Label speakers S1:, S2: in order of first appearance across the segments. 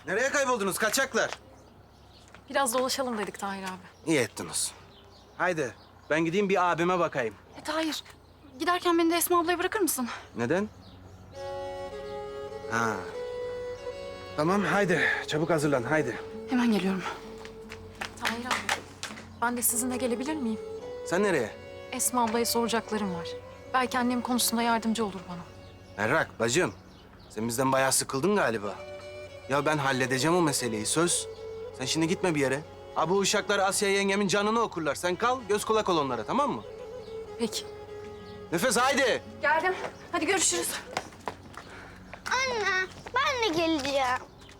S1: Nereye kayboldunuz kaçaklar?
S2: Biraz dolaşalım dedik Tahir abi.
S1: İyi ettiniz. Haydi ben gideyim bir abime bakayım.
S2: Tahir, giderken beni de Esma ablaya bırakır mısın?
S1: Neden? Ha. Tamam haydi çabuk hazırlan haydi.
S2: Hemen geliyorum. Tahir abi, ben de sizinle gelebilir miyim?
S1: Sen nereye?
S2: Esma ablaya soracaklarım var. Belki annem konusunda yardımcı olur bana.
S1: Berrak bacım. Sen bizden bayağı sıkıldın galiba. Ya ben halledeceğim o meseleyi söz. Sen şimdi gitme bir yere. Ha bu uşaklar Asya yengemin canını okurlar. Sen kal göz kulak ol onlara tamam mı?
S2: Peki.
S1: Nefes haydi.
S2: Geldim. Hadi görüşürüz.
S3: Anne, ben de geleceğim.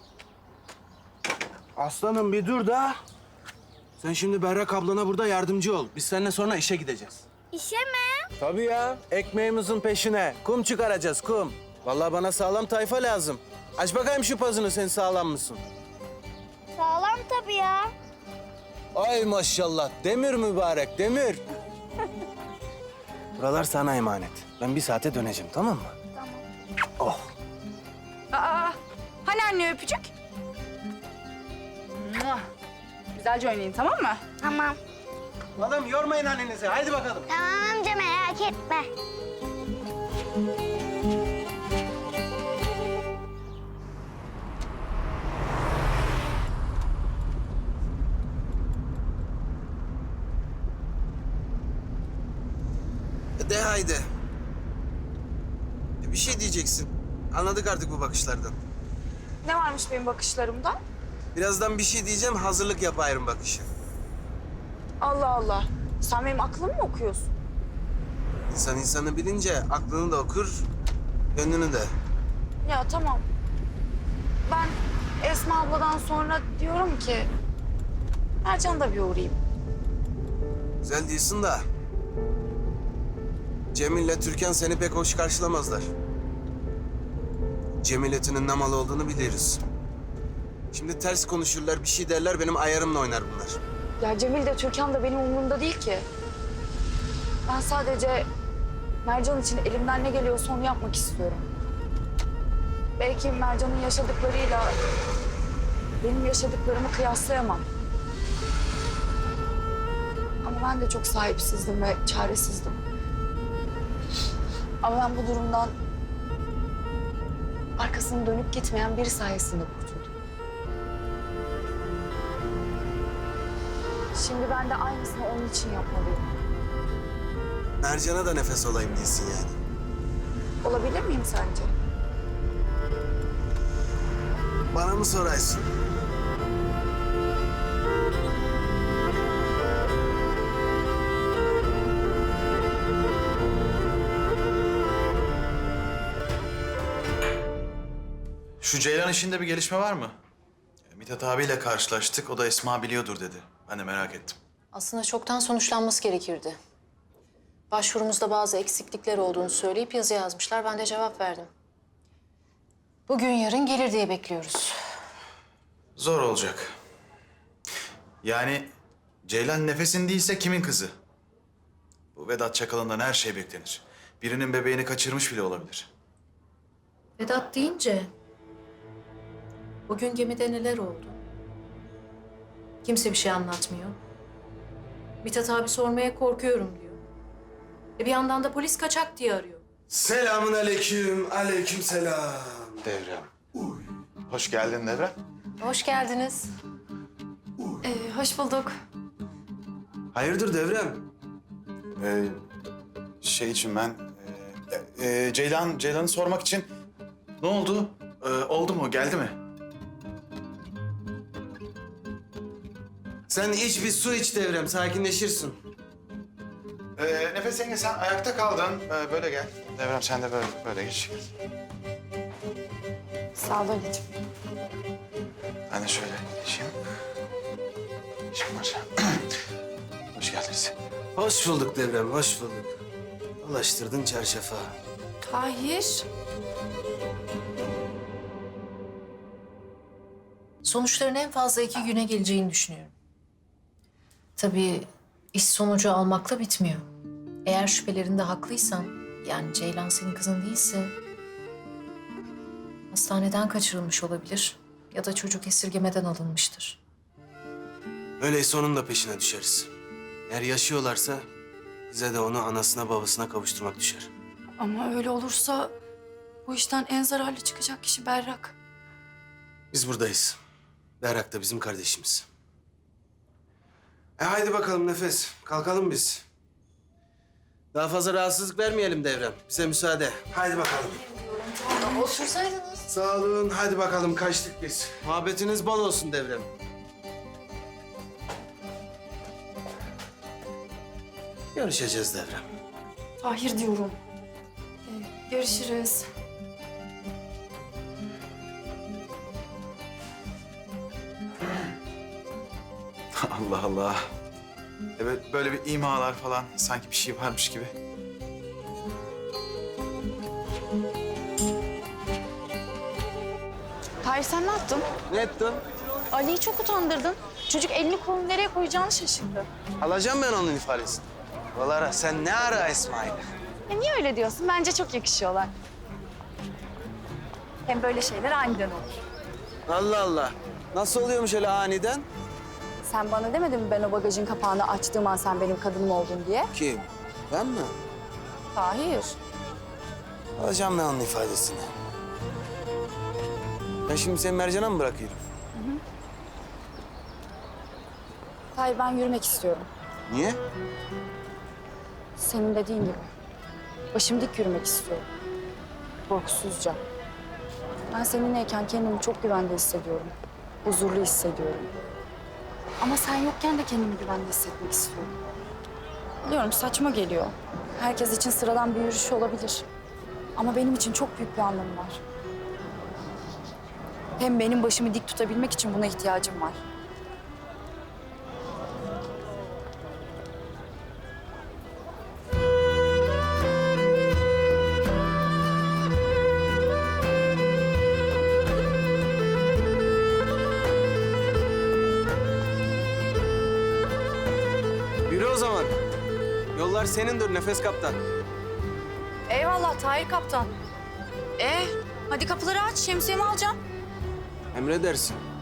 S1: Aslanım bir dur da. Sen şimdi Berrak ablana burada yardımcı ol. Biz seninle sonra işe gideceğiz.
S3: İşe mi?
S1: Tabii ya. Ekmeğimizin peşine. Kum çıkaracağız kum. Vallahi bana sağlam tayfa lazım. Aç bakayım şu pazını sen sağlam mısın?
S3: Sağlam tabii ya.
S1: Ay maşallah. Demir mübarek demir. Buralar sana emanet. Ben bir saate döneceğim tamam mı?
S3: Tamam.
S1: Oh.
S4: Aa, hani anne öpücük? Güzelce oynayın tamam mı?
S3: Tamam.
S1: Oğlum yormayın annenizi. Haydi bakalım.
S3: Tamam amca merak etme.
S1: De haydi. Bir şey diyeceksin. Anladık artık bu bakışlardan.
S4: Ne varmış benim bakışlarımda?
S1: Birazdan bir şey diyeceğim. Hazırlık yap ayrım bakışı.
S4: Allah Allah. Sen benim aklımı mı okuyorsun?
S1: İnsan insanı bilince aklını da okur, gönlünü de.
S4: Ya tamam. Ben Esma abladan sonra diyorum ki... Mercan'a da bir uğrayayım.
S1: Güzel değilsin da. Cemil'le Türkan seni pek hoş karşılamazlar. Cemil etinin ne malı olduğunu biliriz. Şimdi ters konuşurlar, bir şey derler, benim ayarımla oynar bunlar.
S4: Ya Cemil de Türkan da benim umurumda değil ki. Ben sadece Mercan için elimden ne geliyorsa onu yapmak istiyorum. Belki Mercan'ın yaşadıklarıyla benim yaşadıklarımı kıyaslayamam. Ama ben de çok sahipsizdim ve çaresizdim. Ama ben bu durumdan arkasını dönüp gitmeyen biri sayesinde kurtuldum. Şimdi ben de aynısını onun için yapmalıyım.
S1: Mercan'a da nefes olayım değilsin yani.
S4: Olabilir miyim sence?
S1: Bana mı sorarsın?
S5: Şu Ceylan işinde bir gelişme var mı? Mithat abiyle karşılaştık. O da Esma biliyordur dedi. Ben de merak ettim.
S6: Aslında çoktan sonuçlanması gerekirdi. Başvurumuzda bazı eksiklikler olduğunu söyleyip yazı yazmışlar. Ben de cevap verdim. Bugün yarın gelir diye bekliyoruz.
S5: Zor olacak. Yani Ceylan Nefes'in değilse kimin kızı? Bu Vedat Çakal'ından her şey beklenir. Birinin bebeğini kaçırmış bile olabilir.
S6: Vedat deyince... Bugün gemide neler oldu? Kimse bir şey anlatmıyor. Mithat abi sormaya korkuyorum diyor. Bir yandan da polis kaçak diye arıyor.
S1: Selamun aleyküm, aleyküm selam.
S5: Devrem. Hoş geldin Devrem.
S6: Hoş geldiniz.
S2: Hoş bulduk.
S1: Hayırdır Devrem?
S5: Şey için ben... Ceylan'ı sormak için... Ne oldu? Oldu mu? Geldi mi?
S1: Sen iç bir su iç Devrem, sakinleşirsin.
S5: Nefes yenge sen ayakta kaldın. Böyle gel. Devrem sen de böyle geç.
S4: Sağ ol anneciğim.
S5: Ben de şöyle geçeyim. İşim var. Hoş geldiniz.
S1: Hoş bulduk Devrem, hoş bulduk. Ulaştırdın çarşafa.
S4: Tahir.
S6: Sonuçların en fazla 2 güne geleceğini düşünüyorum. Tabii iş sonucu almakla bitmiyor. Eğer şüphelerinde haklıysan, yani Ceylan senin kızın değilse... hastaneden kaçırılmış olabilir. Ya da çocuk esirgemeden alınmıştır.
S1: Öyleyse onun da peşine düşeriz. Eğer yaşıyorlarsa bize de onu anasına babasına kavuşturmak düşer.
S4: Ama öyle olursa bu işten en zararlı çıkacak kişi Berrak.
S1: Biz buradayız. Berrak da bizim kardeşimiz. Haydi bakalım Nefes. Kalkalım biz. Daha fazla rahatsızlık vermeyelim Devrem. Bize müsaade. Haydi bakalım.
S6: Otursaydınız.
S1: Sağ olun. Hadi bakalım kaçtık biz. Muhabbetiniz bol olsun Devrem. Görüşeceğiz Devrem.
S4: Tahir diyorum. Görüşürüz.
S5: Allah Allah. Evet, böyle bir imalar falan sanki bir şey varmış gibi.
S4: Tahir sen ne yaptın?
S1: Ne ettin?
S4: Ali'yi çok utandırdın. Çocuk elini kolunu nereye koyacağını şaşırdı.
S1: Alacağım ben onun ifadesini. Valara sen ne ara İsmail?
S4: Niye öyle diyorsun? Bence çok yakışıyorlar. Hem böyle şeyler aniden olur.
S1: Allah Allah. Nasıl oluyormuş öyle aniden?
S4: Sen bana demedin mi ben o bagajın kapağını açtığım an sen benim kadınım oldun diye?
S1: Kim? Ben mi?
S4: Tahir.
S1: Alacağım ben onun ifadesini. Ben şimdi seni Mercan'a mı bırakayım?
S4: Tahir ben yürümek istiyorum.
S1: Niye?
S4: Senin dediğin gibi. Başım dik yürümek istiyorum. Korkusuzca. Ben seninleyken kendimi çok güvende hissediyorum. Huzurlu hissediyorum. Ama sen yokken de kendimi güvende hissetmek istiyorum. Biliyorum saçma geliyor. Herkes için sıradan bir yürüyüş olabilir. Ama benim için çok büyük bir anlamı var. Hem benim başımı dik tutabilmek için buna ihtiyacım var.
S1: Yürü o zaman. Yollar senindir Nefes Kaptan.
S4: Eyvallah Tahir Kaptan. Hadi kapıları aç, şemsiyemi alacağım.
S1: Emredersin.